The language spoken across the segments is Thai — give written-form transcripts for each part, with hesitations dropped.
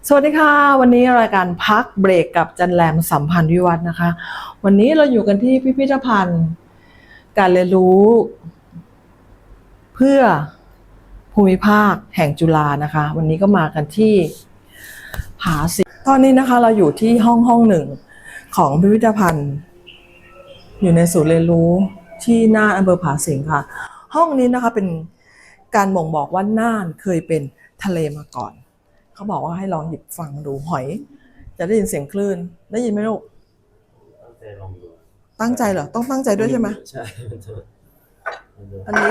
สวัสดีค่ะวันนี้รายการพักเบรกกับจันแรมสัมพันธ์วิวัฒน์นะคะวันนี้เราอยู่กันที่พิพิธภัณฑ์การเรียนรู้เพื่อภูมิภาคแห่งจุฬานะคะวันนี้ก็มากันที่ผาสิงตอนนี้นะคะเราอยู่ที่ห้องหนึ่งของพิพิธภัณฑ์อยู่ในศูนย์เรียนรู้ที่น่านอำเภอผาสิงค่ะห้องนี้นะคะเป็นการบ่งบอกว่าน่านเคยเป็นทะเลมาก่อนเขาบอกว่าให้ลองหยิบฟังดูหอยจะได้ยินเสียงคลื่นได้ยินไหมลูกตั้งใจลองดูตั้งใจเหรอต้องตั้งใจด้วยใช่ไหมใช่อัน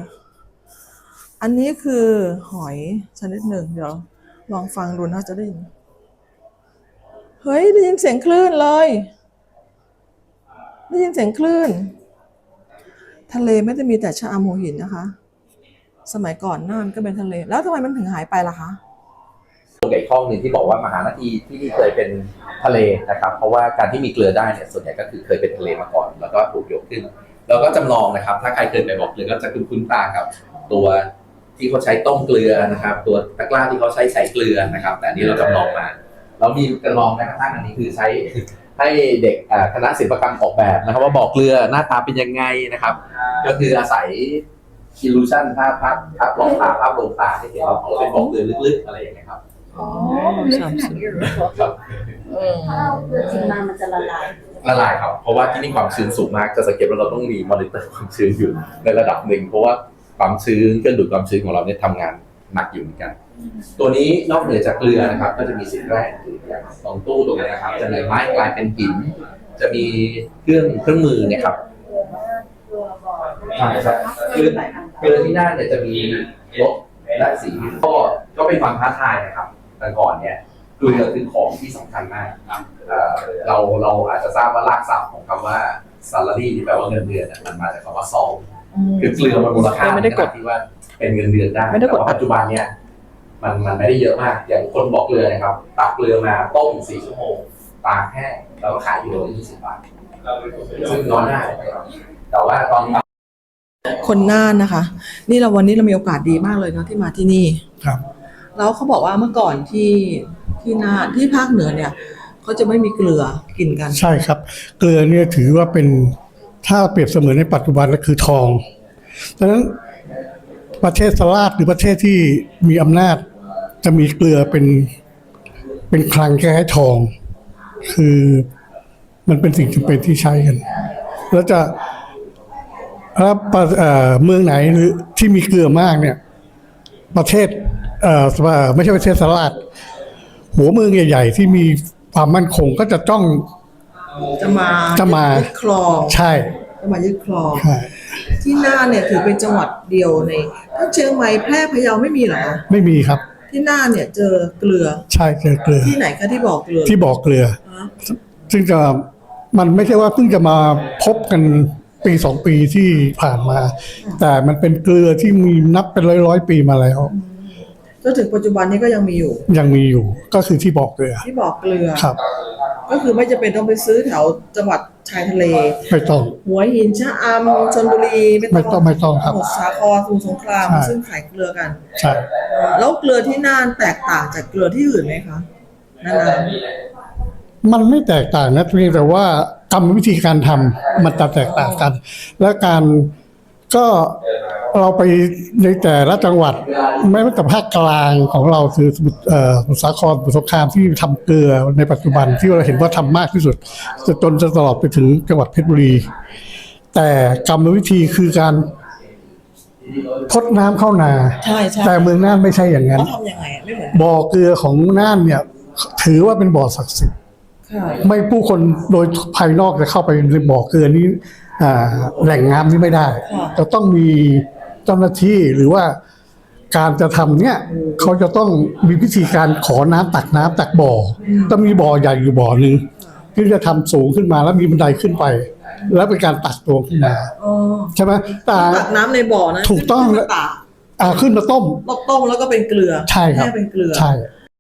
นี้คือหอยชนิดหนึ่งเดี๋ยวลองฟังดูนะจะได้ยินเฮ้ยได้ยินเสียงคลื่นเลยได้ยินเสียงคลื่นทะเลไม่ได้มีแต่ชะอำหัวหินนะคะสมัยก่อนน่านก็เป็นทะเลแล้วทำไมมันถึงหายไปล่ะคะตัวอีกห้องหนึ่งที่บอกว่ามหานาทีที่นี่เคยเป็นทะเลนะครับเพราะว่าการที่มีเกลือได้เนี่ยส่วนใหญ่ก็คือเคยเป็นทะเลมาก่อนแล้วก็ถูกยกขึ้นแล้วก็จำลองนะครับถ้าใครเคยไปบอกเกลือก็จะคุ้นตากับตัวที่เขาใช้ต้มเกลือนะครับตัวตะกร้าที่เขาใช้เกลือนะครับแต่อันนี้เราจำลองมาเรามีจำลองแม้กระทั่งอันนี้คือใช้ให้เด็กคณะศิลปกรรมออกแบบนะครับว่าบอกเกลือหน้าตาเป็นยังไงนะครับก็คืออาศัยillusion ภาพลงตาที่เห็นเราเป็นบอกเกลือลึกๆอะไรอย่างเงี้ยครับอ๋อลึกขนาดนี้เหรอครับถ้าเอาเกลือจริงมามันจะละลายครับเพราะว่าที่นี่ความชื้นสูงมากจะสังเกตว่าเราต้องมีมอนิเตอร์ความชื้นอยู่ในระดับหนึ่งเพราะว่าความชื้นเครื่องดูดความชื้นของเราเนี่ยทำงานหนักอยู่เหมือนกันตัวนี้นอกเหนือจากเกลือนะครับก็จะมีสิ่งแรกคืออย่างตรงตู้ตรงนี้นะครับจะมีไม้กลายเป็นหินจะมีเครื่องมือเนี่ยครับใช่ครับเกลือที่หน้าเนี่ยจะมีรสและสีก็เป็นความท้าทายนะครับแต่ก่อนเนี่ยเกลือคือของที่สำคัญมากเราอาจจะทราบว่ารากศัพท์ของคำว่า salary ที่แปลว่าเงินเดือนมันมาจากคำว่า salt คือเกลือมันมูลค่าไม่ได้กดที่ว่าเป็นเงินเดือนได้แต่ว่าปัจจุบันเนี่ยมันไม่ได้เยอะมากอย่างคนบอกเกลือนะครับตักเกลือมาต้ม4 ชั่วโมงตากแห้งแล้วก็ขายอยู่ที่20 บาทซึ่งน้อยมากแต่ว่าตอนนี้คนน่านนะคะนี่วันนี้เรามีโอกาสดีมากเลยเนาะที่มาที่นี่ครับแล้วเขาบอกว่าเมื่อก่อนที่น่านที่ภาคเหนือเนี่ยเขาจะไม่มีเกลือกินกันใช่ครับเกลือเนี่ยถือว่าเป็นถ้าเปรียบเสมือนในปัจจุบันก็คือทองดังนั้นประเทศสลาดหรือประเทศที่มีอำนาจจะมีเกลือเป็นคลังคล้ายๆทองคือมันเป็นสิ่งจำเป็นที่ใช้กันแล้วเมืองไหนหรือที่มีเกลือมากเนี่ยประเทศไม่ใช่ประเทศสลาดหัวเมืองใหญ่ๆที่มีความมั่นคงก็จะต้องจะมายึดครองใช่จะมายึดครองที่น่านเนี่ยถือเป็นจังหวัดเดียวในถ้าเชียงใหม่แพร่พะเยาไม่มีเหรอไม่มีครับที่น่านเนี่ยเจอเกลือใช่เจอเกลือที่ไหนคะที่บอกเกลือซึ่งมันไม่ใช่ว่าเพิ่งจะมาพบกันปี2 ปีที่ผ่านมาแต่มันเป็นเกลือที่มีนับเป็นร้อยปีมาแล้วจนถึงปัจจุบันนี้ก็ยังมีอยู่ก็คือที่บอกเกลือครับก็คือไม่จำเป็นต้องไปซื้อแถวจังหวัดชายทะเลไม่ต้องหัวหินชะอำชลบุรีไม่ต้องครับสมุทรสาครสมุทรสงครามซึ่งขายเกลือกันใช่แล้วเกลือที่น่านแตกต่างจากเกลือที่อื่นไหมคะนั่นมันไม่แตกต่างนะเพียงแต่ว่ากรรมวิธีการทำมันจะแตกต่างกันและการก็เราไปในแต่ละจังหวัดไม่ว่าแต่ภาคกลางของเราคือสมุทรสาครสมุทรสงครามที่ทำเกลือในปัจจุบันที่เราเห็นว่าทำมากที่สุดจนตลอดไปถึงจังหวัดเพชรบุรีแต่กรรมวิธีคือการพดน้ำเข้านาแต่เมืองน่านไม่ใช่อย่างนั้นทำยังไงไม่เหมือนบ่อเกลือของน่านเนี่ยถือว่าเป็นบ่อศักดิ์สิทธิ์ไม่ผู้คนโดยภายนอกจะเข้าไปในบ่อเกลือนี้แหล่งน้ำนี้ไม่ได้จะต้องมีเจ้าหน้าที่หรือว่าการจะทำเนี่ยเขาจะต้องมีวิธีการขอน้ำตักบ่อต้องมีบ่อใหญ่อยู่บ่อหนึ่งที่จะทำสูงขึ้นมาแล้วมีบันไดขึ้นไปแล้วเป็นการตักตัวขึ้นมาใช่ไหมตักน้ำในบ่อนะถูกต้องขึ้นมาต้มแล้วก็เป็นเกลือใช่ครับเป็นเกลือใช่